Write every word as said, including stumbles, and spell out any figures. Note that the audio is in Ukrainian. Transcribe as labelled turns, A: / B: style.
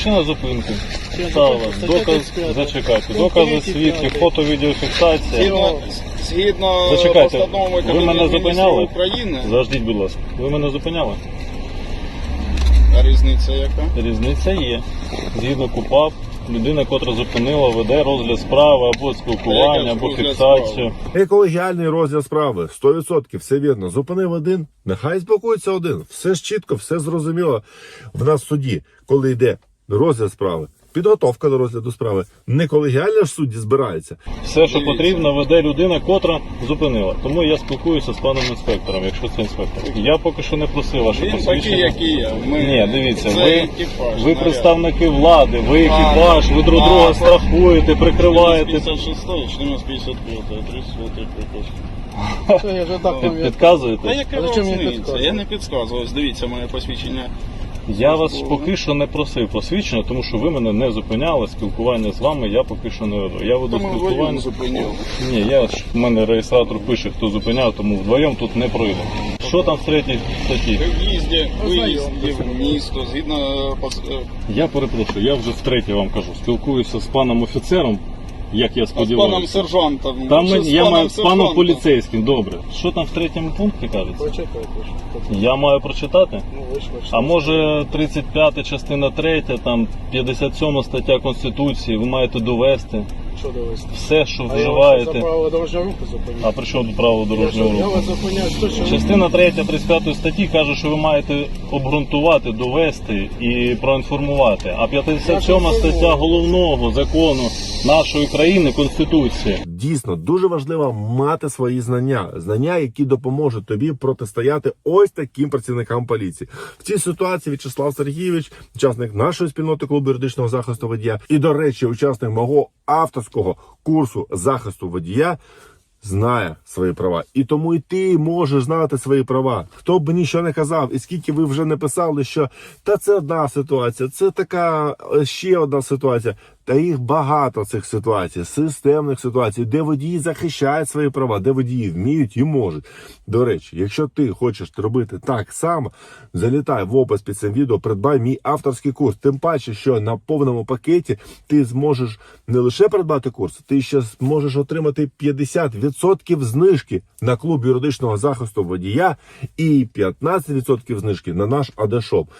A: Причина зупинки. Стала. Доказ, зачекайте. Докази, свідки, фото, відеофіксація.
B: Згідно, згідно
A: Зачекайте,
B: постанови
A: ви мене
B: Кабінету
A: зупиняли?
B: Міністрів України,
A: Заждіть, будь ласка. Ви мене зупиняли?
B: а різниця яка?
A: Різниця є. Згідно КУпАП, людина, котра зупинила, веде розгляд справи або спілкування, або
B: розгляд
A: фіксацію.
C: Екологіальний розгляд справи. сто відсотків, все вірно. Зупинив один, нехай спілкується один. Все ж чітко, все зрозуміло. В нас в суді, коли йде розгляд справи, підготовка до розгляду справи, не колегіальне ж судді збирається.
A: Все, що
B: Дивіться.
A: потрібно, веде людина, котра зупинила. Тому я спілкуюся з паном інспектором, якщо це інспектор. Я поки що не просив ваше
B: Він такий,
A: посвідчення.
B: який я. Ми...
A: Ні, дивіться,
B: Це
A: ви,
B: екіпаж,
A: ви
B: наряд.
A: представники влади, ви екіпаж, ви друг
B: А,
A: друга
B: а,
A: страхуєте, прикриваєте.
B: п'ятдесят шостої, чотириста п'ятдесят п'ятої, тридцять приказ.
D: Це я вже так
A: Під-
D: пам'ятаю.
B: А
A: Підказуєте?
B: яка
D: А зачем мені
B: різниця?
D: підказувати?
B: Я не підказую. Ось дивіться моє посвідчення.
A: Я вас поки що не просив посвідчення, тому що ви мене не зупиняли. Спілкування з вами я поки що не веду. Я веду
B: Тому
A: спілкування.
B: вдвоєм зупиняв.
A: Ні, я ж в мене реєстратор пише, хто зупиняв, тому вдвоєм тут не пройде. Що там в третій статті?
B: Виїзді, виїзді в місто, згідно пос- е,
A: Я перепрошую, я вже втретє вам кажу. Спілкуюся з паном офіцером, як я
B: з паном
A: сподіваюся.
B: сержантом.
A: Там
B: Що
A: мен-
B: з
A: я маю з
B: сержантом?
A: паном поліцейським, добре. Що там в третьому пункті кажеться?
D: Почекайте. що-
A: Я маю прочитати?
D: Ну, ви ж ви ж-
A: А може тридцять п'ята частина третя, там п'ятдесят сьома стаття Конституції, ви маєте довести
D: Що довести?
A: все, що
D: А я вас за
A: вживаєте.
D: правила дорожнього руху
A: А
D: зупиняю.
A: при чому тут право
D: Я що,
A: дорожнього
D: я
A: руху?
D: вас зупиняю, що, що ви-
A: Частина третя тридцять п'ятої статті каже, що ви маєте обґрунтувати, довести і проінформувати. А п'ятдесят сьома стаття головного закону нашої країни Конституції.
C: Дійсно, дуже важливо мати свої знання. Знання, які допоможуть тобі протистояти ось таким працівникам поліції. В цій ситуації В'ячеслав Сергійович, учасник нашої спільноти клубу юридичного захисту водія, і, до речі, учасник мого авторського курсу захисту водія, знає свої права. І тому і ти можеш знати свої права. Хто б нічого не казав, і скільки ви вже не писали, що та це одна ситуація, це така е, ще одна ситуація. Та їх багато цих ситуацій, системних ситуацій, де водії захищають свої права, де водії вміють і можуть. До речі, якщо ти хочеш робити так само, залітай в опис під цим відео, придбай мій авторський курс. Тим паче, що на повному пакеті ти зможеш не лише придбати курс, ти ще зможеш отримати п'ятдесят відсотків знижки на клуб юридичного захисту водія і п'ятнадцять відсотків знижки на наш АД-шоп.